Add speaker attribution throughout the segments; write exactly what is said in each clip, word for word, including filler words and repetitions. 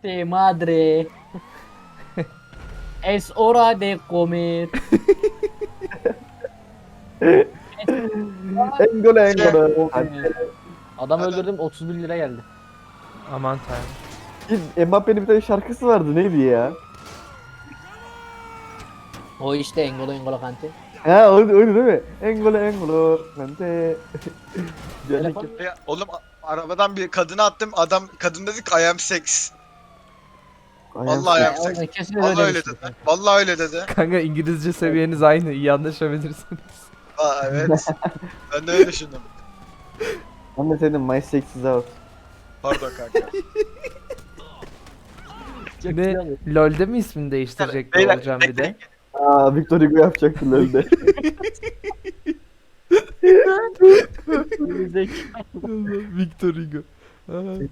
Speaker 1: de madre. Es hora de comer.
Speaker 2: Engolo engolo.
Speaker 1: Adam öldürdüm otuz bir lira geldi.
Speaker 3: Aman tanrım.
Speaker 2: Mbappe'nin bir tane şarkısı vardı neydi ya?
Speaker 1: O işte Engolo Engolo Kante.
Speaker 2: Ha oydu, oydu değil mi? Engolo engolo. Kante.
Speaker 1: Telefon.
Speaker 4: Ya, oğlum a- arabadan bir kadına attım. Adam kadın dedi ki I am sex. Vallahi
Speaker 1: Ya,
Speaker 4: ayağım
Speaker 1: oradan
Speaker 4: sex.
Speaker 1: kesin
Speaker 4: Vallahi
Speaker 1: öyle
Speaker 4: öyle
Speaker 1: bir şey.
Speaker 4: dedi. Vallahi öyle dedi.
Speaker 3: Kanka İngilizce seviyeniz aynı. İyi anlaşabilirsiniz.
Speaker 4: Aa, evet. Ben de öyle düşündüm.
Speaker 2: Ben de senin My Sex is Out.
Speaker 4: Pardon kanka.
Speaker 1: Çok
Speaker 3: Ve
Speaker 1: güzel.
Speaker 3: LoL'de mi ismini değiştirecek
Speaker 4: Beyler,
Speaker 3: olacağım bir de?
Speaker 2: Aa Victor Hugo yapacaktı LoL'de.
Speaker 3: Victor Hugo. Aa.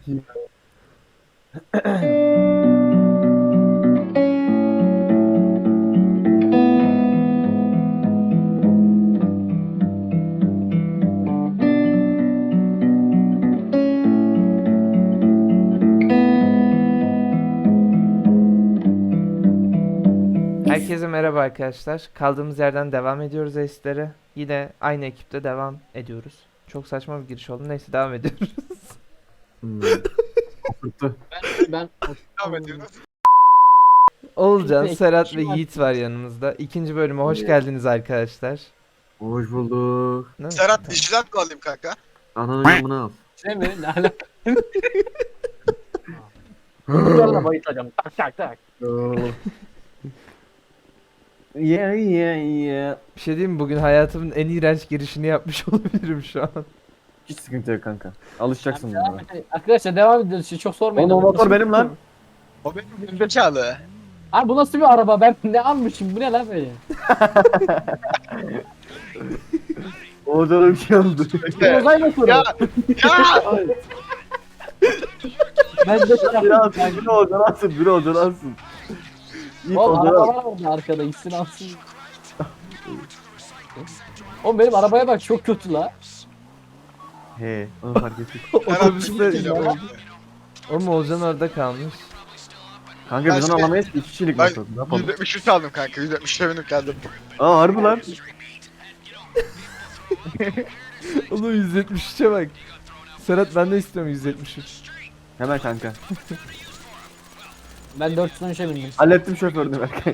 Speaker 3: Herkese merhaba arkadaşlar. Kaldığımız yerden devam ediyoruz Ace'lere. Yine aynı ekipte devam ediyoruz. Çok saçma bir giriş oldu. Neyse devam ediyoruz.
Speaker 2: Hmm. Oturttu.
Speaker 1: Ben, ben
Speaker 4: Devam ediyoruz.
Speaker 3: Oğulcan,
Speaker 1: Peki,
Speaker 3: Serhat ve
Speaker 1: kim var?
Speaker 3: Yiğit var yanımızda. İkinci bölüme hoş geldiniz arkadaşlar.
Speaker 2: Hoş bulduk.
Speaker 3: Değil mi?
Speaker 4: Serhat vijilant mı alayım kanka?
Speaker 2: Ananın yamını al.
Speaker 1: şey mi? Ne alaka? Bunlarla bayılacağım. Tak tak tak.
Speaker 2: Yeah yeah yeah.
Speaker 3: Bir şey diyeyim mi? Bugün hayatımın en iğrenç girişini yapmış olabilirim şu an.
Speaker 2: Hiç sıkıntı yok kanka. Alışacaksın
Speaker 1: Devam
Speaker 2: buna.
Speaker 1: edelim. Arkadaşlar devam ediyoruz. Çok sormayın.
Speaker 2: Oğlum o motor benim lan.
Speaker 4: O benim gerizekalı.
Speaker 1: Abi bu nasıl bir araba? Ben ne almışım? Bu ne lan böyle?
Speaker 2: Oğuzhan'a bir şey oldu.
Speaker 1: Bu uzay motoru.
Speaker 4: Ya ya.
Speaker 1: Ben de şey
Speaker 2: Biri
Speaker 1: yaptım.
Speaker 2: alsın, biri Oğuzhan'a alsın, biri Oğuzhan'a alsın. İlk
Speaker 1: Oğlum
Speaker 2: Oğuzhan'a
Speaker 1: araba
Speaker 2: al.
Speaker 1: var orada arkada. İçsin alsın. Oğlum benim arabaya bak çok kötü la.
Speaker 2: He, onu fark ettik.
Speaker 3: Otobüste...
Speaker 4: Geliyor.
Speaker 3: Oğlum Oğulcan orada kalmış.
Speaker 2: Kanka biz
Speaker 4: Ben
Speaker 2: onu
Speaker 4: şey-
Speaker 2: alamayız ki iki kişilik
Speaker 4: Ben
Speaker 2: motor. Ne yapalım?
Speaker 4: yüz yetmiş üç aldım kanka. yüz yetmiş benim geldim.
Speaker 2: Aa harbi lan.
Speaker 3: Oğlum yüz yetmiş üçe bak. Serhat ben de istiyorum yüz yetmiş üç.
Speaker 2: Hemen kanka.
Speaker 1: Ben dört yüz on üçe bindim.
Speaker 2: Hallettim şoförünü Berkay.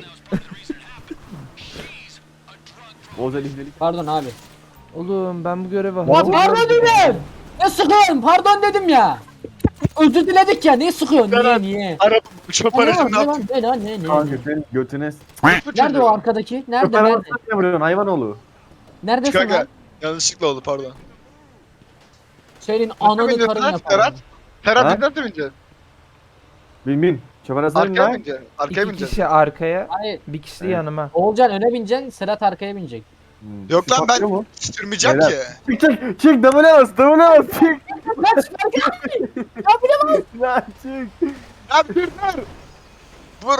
Speaker 2: Oğuzhan izledik.
Speaker 1: Pardon abi.
Speaker 3: Oğlum ben bu göreve
Speaker 1: Lan
Speaker 3: hazır
Speaker 1: pardon dedim. Ne sıkıyorsun? Pardon dedim ya. Özür diledik ya. Niye sıkıyorsun? Niye
Speaker 4: Berat.
Speaker 1: niye?
Speaker 4: Araba
Speaker 1: Ne
Speaker 4: şoförü
Speaker 1: lan
Speaker 4: ne
Speaker 1: ne
Speaker 4: yaptın?
Speaker 1: lan ne lan ne ne?
Speaker 2: Kanka senin götüne s-
Speaker 1: Nerede o arkadaki? Nerede
Speaker 2: Şoför
Speaker 1: nerede?
Speaker 2: arabasına niye vuruyorsun hayvanoğlu?
Speaker 1: Neredesin
Speaker 4: Kanka
Speaker 1: lan?
Speaker 4: yanlışlıkla oldu pardon.
Speaker 1: Senin ananı
Speaker 4: bineceksin
Speaker 1: karın
Speaker 4: lan,
Speaker 1: yaparım.
Speaker 4: Serhat? Ferhat
Speaker 2: Ha?
Speaker 4: biz nasıl bineceğiz?
Speaker 2: Bin bin. Şoför arabasına bin
Speaker 4: Arkaya mı
Speaker 2: lan.
Speaker 4: bineceğiz? Arkaya
Speaker 3: İki
Speaker 4: bineceğiz.
Speaker 3: kişi arkaya,
Speaker 1: Hayır.
Speaker 3: bir kişi de
Speaker 2: Evet.
Speaker 3: yanıma.
Speaker 1: Oğulcan öne bineceksin. Serhat arkaya binecek.
Speaker 2: Hmm,
Speaker 4: Yok lan,
Speaker 2: şu
Speaker 4: ben-
Speaker 2: patlıyor mu?
Speaker 4: Sürmeyeceğim
Speaker 2: Beyler.
Speaker 4: ki.
Speaker 2: Çık çık çık double bas double bas çık.
Speaker 1: Lan
Speaker 2: Lan çık.
Speaker 4: Ya dur dur. Vur.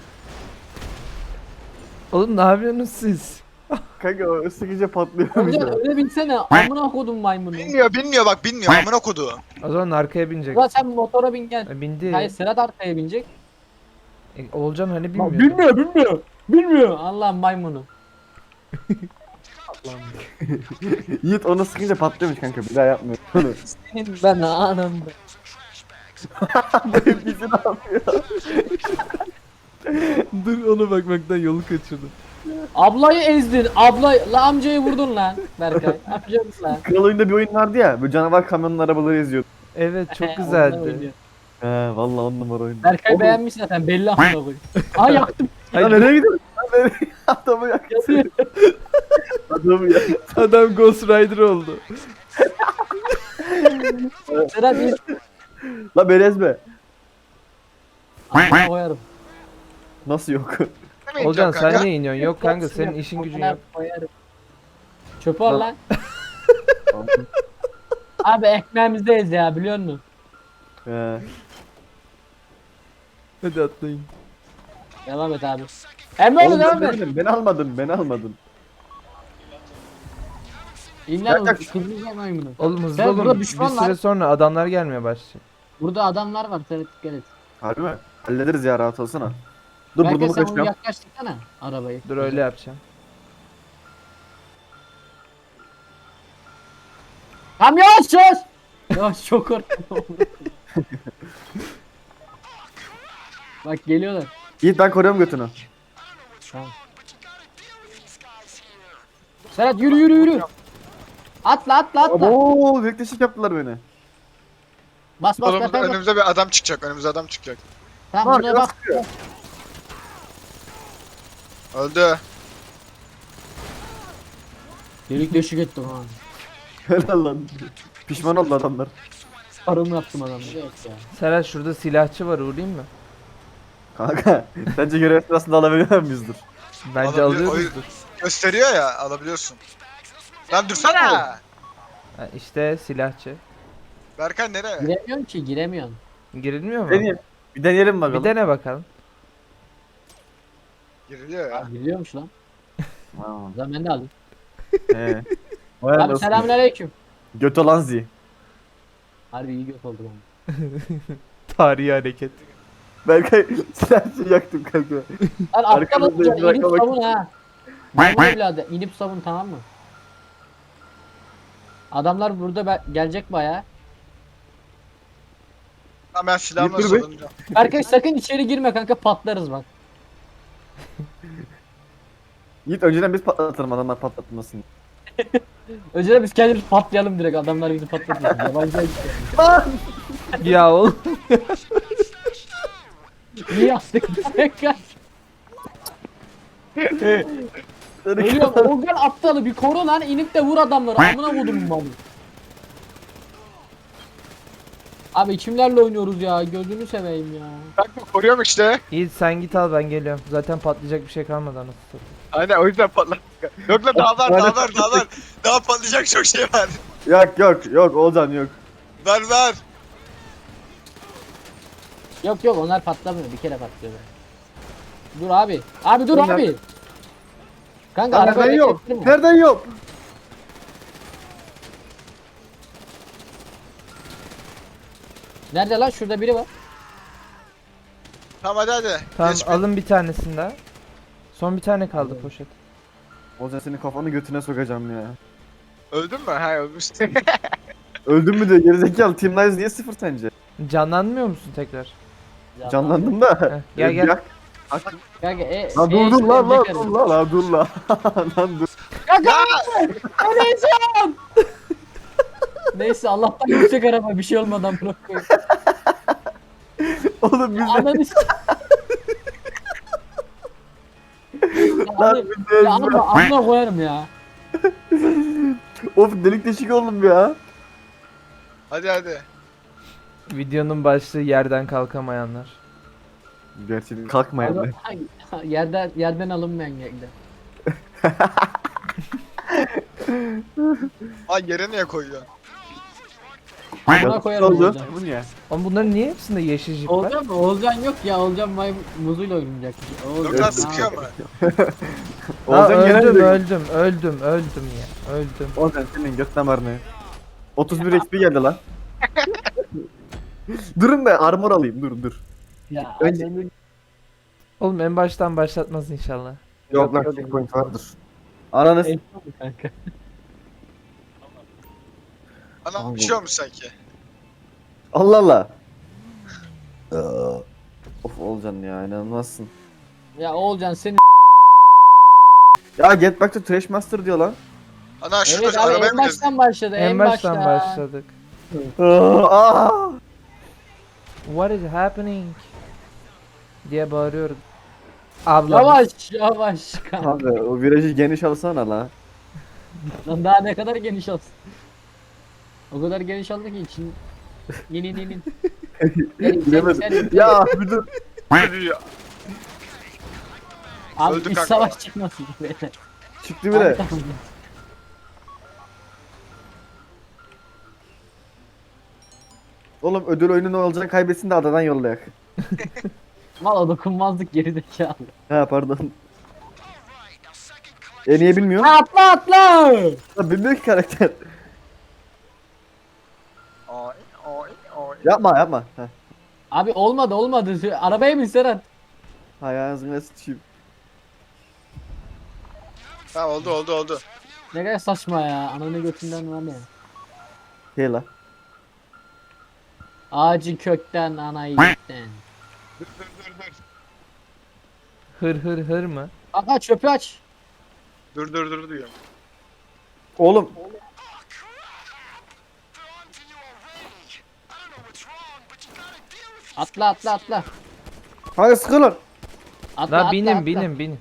Speaker 3: Oğlum ne yapıyorsunuz siz?
Speaker 2: Kanka o sıkıca patlıyor.
Speaker 1: Oğulcan öne binsene. Amına kodum maymunu.
Speaker 4: Bilmiyor bilmiyor bak bilmiyor amına kodu.
Speaker 3: O zaman arkaya binecek.
Speaker 1: Ulan sen motora bin gel.
Speaker 3: E, bindi.
Speaker 1: Hayır Serhat arkaya binecek.
Speaker 3: E, Oğulcan hani bilmiyordu.
Speaker 1: Bilmiyor bilmiyor. Bilmiyor. Allah'ım maymunu.
Speaker 2: Yiğit onu sıkınca patlıyormuş kanka bir daha yapmıyor. Onu.
Speaker 1: Senin ben anam.
Speaker 2: Bizi ne yapıyor?
Speaker 3: Dur ona bakmaktan yolu kaçırdım.
Speaker 1: Ablayı ezdin. Abla la amcayı vurdun lan. Berkay. Yapacaksın lan.
Speaker 2: Kral oyunda bir oyun vardı ya. Böyle canavar kamyonun arabaları eziyordu.
Speaker 3: Evet çok
Speaker 1: Onunla
Speaker 3: güzeldi.
Speaker 1: oynuyor.
Speaker 2: He vallahi on numara oyun.
Speaker 1: Berkay
Speaker 2: Oğlum,
Speaker 1: beğenmiş zaten belli amına koyayım. Aa yaktım.
Speaker 2: Ya nereye gidiyorsun? Lan nereye? Adamı yak.
Speaker 1: Yanıyor.
Speaker 2: Adamı yak.
Speaker 3: Adam Ghost Rider oldu.
Speaker 1: Serhat bir
Speaker 2: La berezme.
Speaker 1: amına koyarım.
Speaker 2: Nasıl yok?
Speaker 3: Oğulcan
Speaker 4: kanka.
Speaker 3: sen niye iniyorsun? Yok kanka senin işin gücün
Speaker 1: Amına
Speaker 3: yok.
Speaker 1: koyarım. Çöpü al
Speaker 2: Lan.
Speaker 1: lan. Abi ekmeğimizdeyiz ya biliyor musun?
Speaker 2: He.
Speaker 3: Hadi atlayın.
Speaker 1: Devam et abi. Emre
Speaker 2: Oğlum
Speaker 1: devam
Speaker 2: ben
Speaker 1: et.
Speaker 2: demedim, beni almadın, beni almadın.
Speaker 1: İmler
Speaker 2: Yak, yak.
Speaker 1: kırmızı maymunu.
Speaker 3: Oğlum hızlı
Speaker 1: Sen burada
Speaker 3: olun. Bir
Speaker 1: düşman
Speaker 3: süre
Speaker 1: var.
Speaker 3: sonra adamlar gelmeye başlayacak.
Speaker 1: Burada adamlar var Serhat dikkat et.
Speaker 2: Harbi mi? Hallederiz ya, rahat olsana. Dur
Speaker 1: Belki
Speaker 2: burnumu
Speaker 1: sen onu
Speaker 2: kaçırıyorum.
Speaker 1: yaklaştırsana arabayı.
Speaker 3: Dur öyle yapacağım.
Speaker 1: Kamyon sus! Ya çok korktum. Bak geliyorlar.
Speaker 2: Yiğit ben koruyorum götünü.
Speaker 1: Tamam. Serhat yürü yürü yürü. Atla atla atla.
Speaker 2: Oo, bekleşik yaptılar beni.
Speaker 1: Bas bas
Speaker 4: Oğlum
Speaker 1: bas.
Speaker 4: burada
Speaker 1: bas.
Speaker 4: önümüze bir adam çıkacak. Önümüze adam çıkacak.
Speaker 1: Tamam
Speaker 2: Bak,
Speaker 1: buna
Speaker 2: biraz
Speaker 1: bak.
Speaker 2: sıkıyor.
Speaker 4: Öldü.
Speaker 1: Delik deşik ettim ha.
Speaker 2: Helal lan. Pişman oldu adamlar.
Speaker 1: Paramı yaptım adamı. Evet ya.
Speaker 3: Serhat şurada silahçı var, uğrayayım mı?
Speaker 2: Kanka sence görev sırasında alabiliyor muyuzdur?
Speaker 3: Bence
Speaker 4: Alabilir-
Speaker 3: alıyoruzdur.
Speaker 4: Gösteriyor ya alabiliyorsun. Lan dursana.
Speaker 3: Ha, işte silahçı.
Speaker 4: Berkan nereye?
Speaker 1: Giremiyorsun ki giremiyorsun.
Speaker 3: Girilmiyor mu?
Speaker 2: Deneyelim. Bir deneyelim bakalım.
Speaker 3: Bir dene bakalım.
Speaker 4: Giriliyor ya.
Speaker 1: Giriliyormuş lan.
Speaker 2: Tamam.
Speaker 1: O zaman ben de alayım.
Speaker 2: He. Vay
Speaker 1: Abi
Speaker 2: anasını.
Speaker 1: selamünaleyküm.
Speaker 2: Göt olan zi.
Speaker 1: Harbi iyi göt oldu bana.
Speaker 3: Tarihi hareket.
Speaker 2: Berkay silahçı yaktım kanka.
Speaker 1: Lan aptal
Speaker 2: Arkamızda
Speaker 1: olacaksın
Speaker 2: bir
Speaker 1: inip
Speaker 2: dakika
Speaker 1: savun ha. Maymun evladı inip savun tamam mı? Adamlar burada be- gelecek baya.
Speaker 4: Tamam ben silahımla
Speaker 2: Dur be.
Speaker 4: savunacağım.
Speaker 1: Berkay sakın içeri girme kanka patlarız bak.
Speaker 2: Yiğit önceden biz patlatalım, adamlar patlatmasın.
Speaker 1: Önceden biz kendimiz patlayalım direkt adamlar bizi patlatmasın. Yabancı el-
Speaker 3: Ya oğlum.
Speaker 1: Niye yaptık Berkay? Ölüyorum Organ aptalı bir koru lan inip de vur adamları amına vurdum ben. Abi kimlerle oynuyoruz ya gözünü seveyim ya.
Speaker 4: Kanka koruyorum işte.
Speaker 3: İyi sen git al, ben geliyorum. Zaten patlayacak bir şey kalmadı anasını satayım.
Speaker 4: Aynen o yüzden patladık. Yok lan daha var daha var daha var. Daha patlayacak çok şey var.
Speaker 2: Yok yok yok Oğuzhan yok.
Speaker 4: Ver ver.
Speaker 1: Yok yok onlar patlamıyor bir kere patlıyorlar. Dur abi. Abi dur
Speaker 2: Bunlar-
Speaker 1: abi. Kanka
Speaker 2: Lan
Speaker 1: araba
Speaker 2: nereden yok?
Speaker 1: beklettirme.
Speaker 2: Nereden yok?
Speaker 1: Nerede lan şurada biri var.
Speaker 4: Tamam hadi hadi.
Speaker 3: Tamam
Speaker 4: Geç bir-
Speaker 3: alın bir tanesini daha. Son bir tane kaldı
Speaker 1: Alıyorum.
Speaker 3: poşet.
Speaker 2: Oğuzhan senin kafanı götüne sokacağım ya.
Speaker 4: Öldün mü? Ha ölmüşsün.
Speaker 2: Öldün mü diyor gerizekalı, Team Lies niye sıfır sence?
Speaker 3: Canlanmıyor musun tekrar?
Speaker 1: Ya,
Speaker 2: Canlandım da.
Speaker 3: Heh, gel gel.
Speaker 2: Yak.
Speaker 1: Kanka e,
Speaker 2: Lan
Speaker 1: e,
Speaker 2: dur dur
Speaker 1: işte
Speaker 2: lan lan
Speaker 1: ölecek
Speaker 2: dur
Speaker 1: herif.
Speaker 2: lan lan dur lan. Lan dur.
Speaker 1: Kanka! Öleceğim! Neyse Allah'tan yüksek araba bir şey olmadan bırakıyor.
Speaker 2: Oğlum biz de
Speaker 1: Ananı s- Ya
Speaker 2: lan
Speaker 1: abi,
Speaker 2: biz de
Speaker 1: ya amma amına koyarım ya.
Speaker 2: Of delik deşik oldum ya.
Speaker 4: Hadi hadi.
Speaker 3: Videonun başlığı yerden kalkamayanlar.
Speaker 2: Gerçi kalkmayalım.
Speaker 1: Abi, yerden yerden alınmayan geldi.
Speaker 4: Ay yere niye koyuyorsun?
Speaker 1: Amına koyarım
Speaker 2: Oldu.
Speaker 1: Oğuzcan.
Speaker 2: Bu niye?
Speaker 3: Ama bunların niye hepsinde yeşil jip var?
Speaker 1: Oğuzcan mı? Oğuzcan yok ya. Oğuzcan may muzuyla oynayacak.
Speaker 4: Yok
Speaker 1: Oğuzcan.
Speaker 4: lan sıkıyor mu?
Speaker 3: Aa,
Speaker 2: Oğuzhan
Speaker 3: öldüm
Speaker 2: genelde.
Speaker 3: öldüm öldüm öldüm ya öldüm.
Speaker 2: Oğuzhan senin göt damarını. otuz bir X P geldi lan. Durun be armor alayım dur dur.
Speaker 1: Ya
Speaker 2: Önce-
Speaker 1: annemin-
Speaker 3: Oğlum en baştan başlatmaz inşallah.
Speaker 2: Yok lan checkpoint vardır. Ananı s-
Speaker 1: Eyvah mı kanka?
Speaker 4: Ana bir şey olmuş sanki.
Speaker 2: Allah Allah. Of Oğuzhan ya inanılmazsın.
Speaker 1: Ya Oğuzcan senin
Speaker 2: Ya get back to Trash Master diyor lan.
Speaker 4: Ana şurada
Speaker 1: evet
Speaker 4: şu
Speaker 1: abi
Speaker 4: arabaya
Speaker 1: en
Speaker 4: mı gezdin?
Speaker 1: baştan başladı
Speaker 3: En,
Speaker 1: en,
Speaker 3: baştan
Speaker 1: başta.
Speaker 3: başladık.
Speaker 2: Aa!
Speaker 3: What is happening? Diye bağırıyorum. Ablam.
Speaker 1: Yavaş yavaş kanka.
Speaker 2: Abi o virajı geniş alsana la.
Speaker 1: Lan daha ne kadar geniş olsun. O kadar geniş aldı ki için. Yeni yeni.
Speaker 2: Bilemedim. Ya bir dur.
Speaker 4: Ya.
Speaker 1: Abi
Speaker 4: Öldü
Speaker 1: iç
Speaker 4: kanka.
Speaker 1: savaş çıkmasın beyler.
Speaker 2: Çıktı bile.
Speaker 1: Abi, tamam.
Speaker 2: Oğlum ödül oyunu ne olacak kaybetsin de adadan yollayak.
Speaker 1: Valla dokunmazlık gerizekalı.
Speaker 2: Ha pardon. E niye bilmiyor?
Speaker 1: Atla atla.
Speaker 2: Ha, bilmiyor ki karakter.
Speaker 4: Oy oy oy.
Speaker 2: Yapma yapma. Ha.
Speaker 1: Abi olmadı olmadı. Arabaya bin Serhat.
Speaker 2: Ayağınıza sıçayım.
Speaker 4: Ha oldu oldu oldu.
Speaker 1: Ne kadar saçma ya. Ananı götünden var ya.
Speaker 2: Hey la.
Speaker 1: Ağacı kökten anayı gökten.
Speaker 4: Dur dur dur dur.
Speaker 3: Hır hır hır mı?
Speaker 1: Kanka çöpü aç.
Speaker 4: Dur dur dur diyorum.
Speaker 2: Oğlum.
Speaker 1: Atla atla atla.
Speaker 2: Hadi sıkılın.
Speaker 1: Atla
Speaker 3: La
Speaker 1: atla
Speaker 3: binin
Speaker 1: atla.
Speaker 3: binin binin.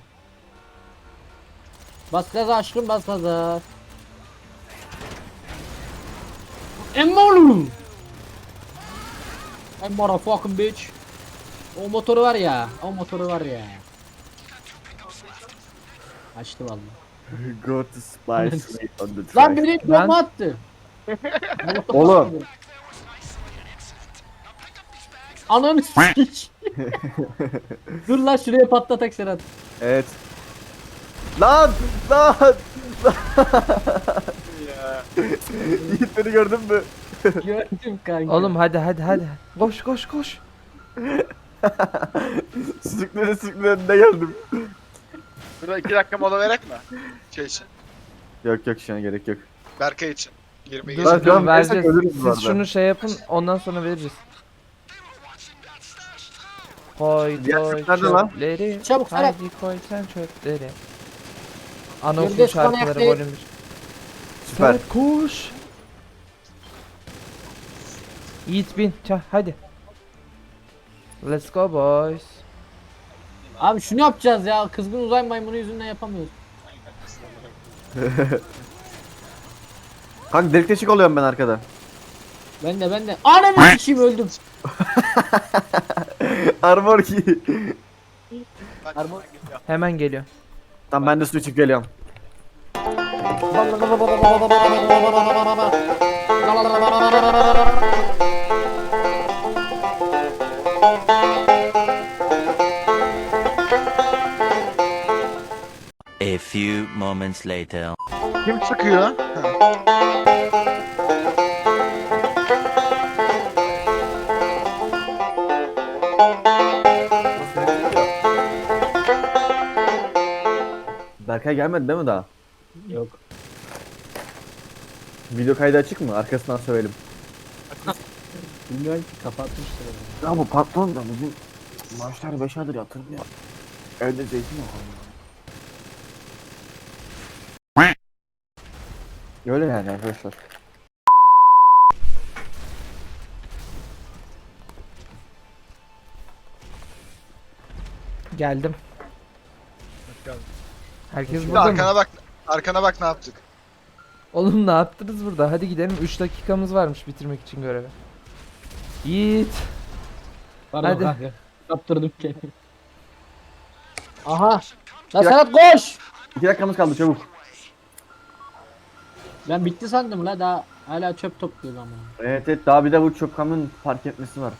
Speaker 1: Bas gaza aşkım bas gaza. Emmolu. I'm motherfucking bitch. O motoru var ya. O motoru var ya. Açtı vallahi.
Speaker 2: Go to spice Street on the track.
Speaker 1: Lan beni
Speaker 3: Lan.
Speaker 1: bomba attı.
Speaker 2: Oğlum.
Speaker 1: Ananı s**k. Dur lan şuraya patlatak Serhat.
Speaker 2: Evet. Lan! Lan!
Speaker 4: Ya.
Speaker 2: Yiğit beni gördün mü?
Speaker 1: Gördüm kanka.
Speaker 3: Oğlum hadi hadi hadi. Koş koş koş.
Speaker 2: Sürüklere sürüklere önüne geldim.
Speaker 4: Burada iki dakika mola verek mi? Şey için.
Speaker 2: Yok yok şu an gerek yok.
Speaker 4: Berkay için. Girmeyi
Speaker 3: Dur
Speaker 2: Lan
Speaker 4: için.
Speaker 2: şu an
Speaker 3: dur
Speaker 2: versek
Speaker 3: vereceğiz.
Speaker 2: ölürüz bu
Speaker 3: Siz
Speaker 2: arada.
Speaker 3: şunu şey yapın ondan sonra veririz. Koy
Speaker 2: Diğer
Speaker 3: koy
Speaker 2: çöp nerede lan?
Speaker 3: çöpleri.
Speaker 1: Çabuk, Serhat.
Speaker 3: Haydi koy sen çöpleri. Anaokulu
Speaker 1: Yürüdüz
Speaker 3: şarkıları
Speaker 1: Connect'e.
Speaker 3: volüm bir.
Speaker 2: Süper.
Speaker 3: Serhat koş. Yiğit bin çah hadi. Let's go boys.
Speaker 1: Abi şunu yapacağız ya. Kızgın uzay maymunu yüzünden yapamıyoruz.
Speaker 2: Kanka delik deşik oluyorum ben arkada.
Speaker 1: Ben de ben de. Ananı s**eyim öldüm.
Speaker 2: Armor ki.
Speaker 1: Armor.
Speaker 3: Hemen geliyor.
Speaker 2: Tamam ben de su içip geliyorum.
Speaker 5: A few moments later.
Speaker 4: Kim sıkıyor? Ha.
Speaker 2: Berkay gelmedi değil mi daha?
Speaker 1: Yok.
Speaker 2: Video kaydı açık mı? Arkasından söyleyelim.
Speaker 1: Bilmiyorum ki kapatmıştır. onu.
Speaker 2: Ya bu patron da bizim maaşlar beş aydır yatırmıyor. Evde zeytin yok. Öyle yani arkadaşlar.
Speaker 3: Geldim. Herkes
Speaker 4: Bir de
Speaker 3: burada mı?
Speaker 4: arkana bak. Arkana bak ne yaptık.
Speaker 3: Oğlum ne yaptınız burada? Hadi gidelim. üç dakikamız varmış bitirmek için görevi. Yiğit.
Speaker 1: Pardon
Speaker 3: Hadi.
Speaker 1: kanka. Kaptırdım kendimi. Aha. Lan Serhat koş.
Speaker 2: İki dakikamız kaldı çabuk.
Speaker 1: Ben bitti sandım la daha hala çöp topluyorum ama.
Speaker 2: Evet evet daha bir de bu çok kamyon park etmesi var.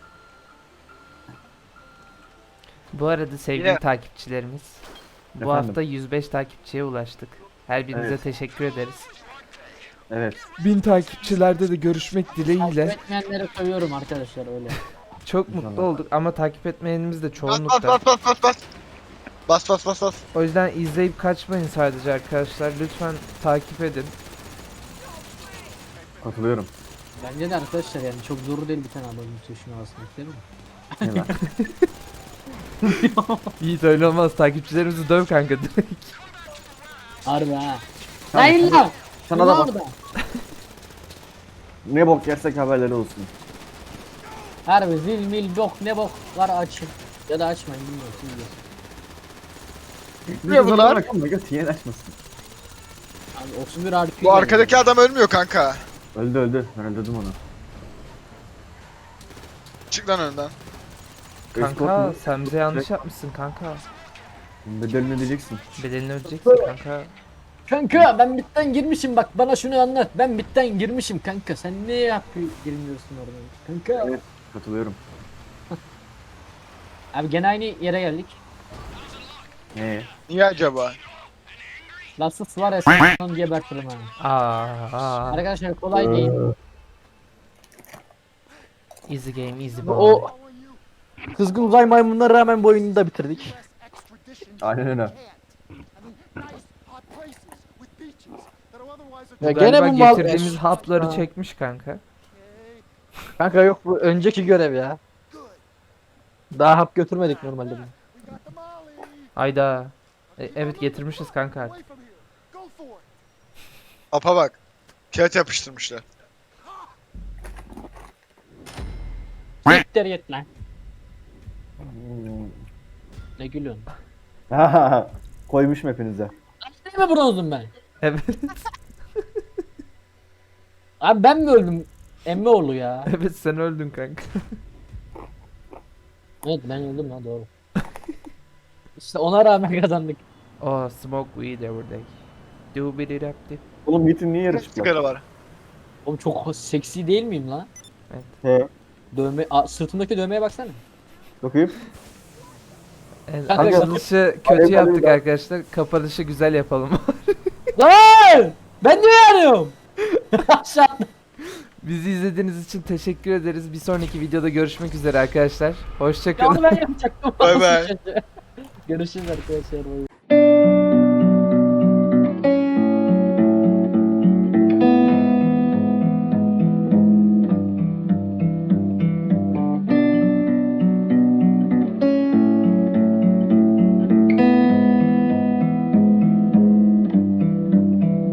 Speaker 3: Bu arada sevgili
Speaker 4: Yine-
Speaker 3: takipçilerimiz. Bu
Speaker 2: Efendim?
Speaker 3: hafta yüz beş takipçiye ulaştık. Her birinize
Speaker 2: Evet.
Speaker 3: teşekkür ederiz.
Speaker 2: Evet.
Speaker 3: bin takipçilerde de görüşmek
Speaker 1: Takip
Speaker 3: dileğiyle.
Speaker 1: etmeyenleri seviyorum arkadaşlar öyle.
Speaker 3: Çok mutlu olduk ama takip etmeyenimiz de
Speaker 4: Bas bas
Speaker 3: çoğunlukta.
Speaker 4: bas bas bas bas. Bas bas bas bas.
Speaker 3: O yüzden izleyip kaçmayın sadece arkadaşlar. Lütfen takip edin.
Speaker 2: Katılıyorum.
Speaker 1: Bence de arkadaşlar yani çok zor değil bir tane abonun tuşuna basmak değil mi?
Speaker 2: Ne lan?
Speaker 3: Yiğit öyle olmaz. Takipçilerimizi döv kanka direkt.
Speaker 1: Harbi ha.
Speaker 2: Tamam,
Speaker 1: Hayır lan.
Speaker 2: Sana da bak.
Speaker 1: orada.
Speaker 2: Ne bok yersek haberleri olsun.
Speaker 1: Harbi zil mil bok ne bok var açın. Ya da açmayın bilmiyorum siz bilirsiniz.
Speaker 4: Ne bunlar?
Speaker 2: Ama göt yiyen açmasın.
Speaker 1: Abi otuz bir harfi.
Speaker 4: Bu arkadaki adam ölmüyor kanka.
Speaker 2: Öldü öldü. Ben öldürdüm onu.
Speaker 4: Çık lan önden.
Speaker 2: Escort
Speaker 3: Kanka
Speaker 2: mu?
Speaker 3: sen bize yanlış yapmışsın kanka.
Speaker 2: Bedelini ödeyeceksin.
Speaker 3: Bedelini ödeyeceksin kanka.
Speaker 1: Kanka ben bitten girmişim bak bana şunu anlat. Ben bitten girmişim kanka. Sen ne yapıyor girmiyorsun orada? Kanka.
Speaker 2: Evet. Katılıyorum.
Speaker 1: Abi gene aynı yere geldik.
Speaker 2: Ee,
Speaker 4: Niye acaba?
Speaker 1: Lassus var ya sen gebertirim ha.
Speaker 3: Aa, aa.
Speaker 1: Arkadaşlar kolay değil.
Speaker 3: Easy game, easy boy.
Speaker 1: O kızgın uzay maymununa rağmen bu oyunu da bitirdik.
Speaker 2: Aynen öyle.
Speaker 3: Bu
Speaker 1: Ya
Speaker 3: galiba
Speaker 1: gene bu mal-
Speaker 3: getirdiğimiz hapları
Speaker 1: Ha.
Speaker 3: çekmiş kanka.
Speaker 1: Kanka yok bu önceki görev ya. Daha hap götürmedik normalde. bunu.
Speaker 3: Ayda. E, evet getirmişiz kanka artık.
Speaker 4: Apa bak. Kağıt yapıştırmışlar.
Speaker 1: Siktir git lan. Ne gülüyorsun?
Speaker 2: Koymuşum hepinize.
Speaker 1: Değil mi bronzum ben?
Speaker 3: Evet.
Speaker 1: Abi ben mi öldüm? Emmoğlu ya.
Speaker 3: Evet sen öldün kanka.
Speaker 1: Evet ben öldüm lan doğru. İşte ona rağmen kazandık.
Speaker 3: Oh smoke weed every day. Do bit it up dip.
Speaker 2: Oğlum Yiğit'in niye yarı
Speaker 4: Kaç
Speaker 2: çıplak?
Speaker 4: sigara var?
Speaker 1: Oğlum çok seksi değil miyim lan?
Speaker 2: He.
Speaker 1: Dövme, a, sırtımdaki dövmeye baksana.
Speaker 2: Bakayım.
Speaker 3: Evet,
Speaker 1: Kanka,
Speaker 3: açılışı
Speaker 2: Alev
Speaker 3: kötü yaptık
Speaker 2: alev lan.
Speaker 3: arkadaşlar. Kapanışı güzel yapalım.
Speaker 1: Lan! Ben niye yanıyorum? Aşağıda.
Speaker 3: Bizi izlediğiniz için teşekkür ederiz. Bir sonraki videoda görüşmek üzere arkadaşlar.
Speaker 1: Ya
Speaker 3: Hoşçakalın.
Speaker 1: onu ben yapacaktım.
Speaker 4: Bay bay.
Speaker 1: Görüşürüz arkadaşlar.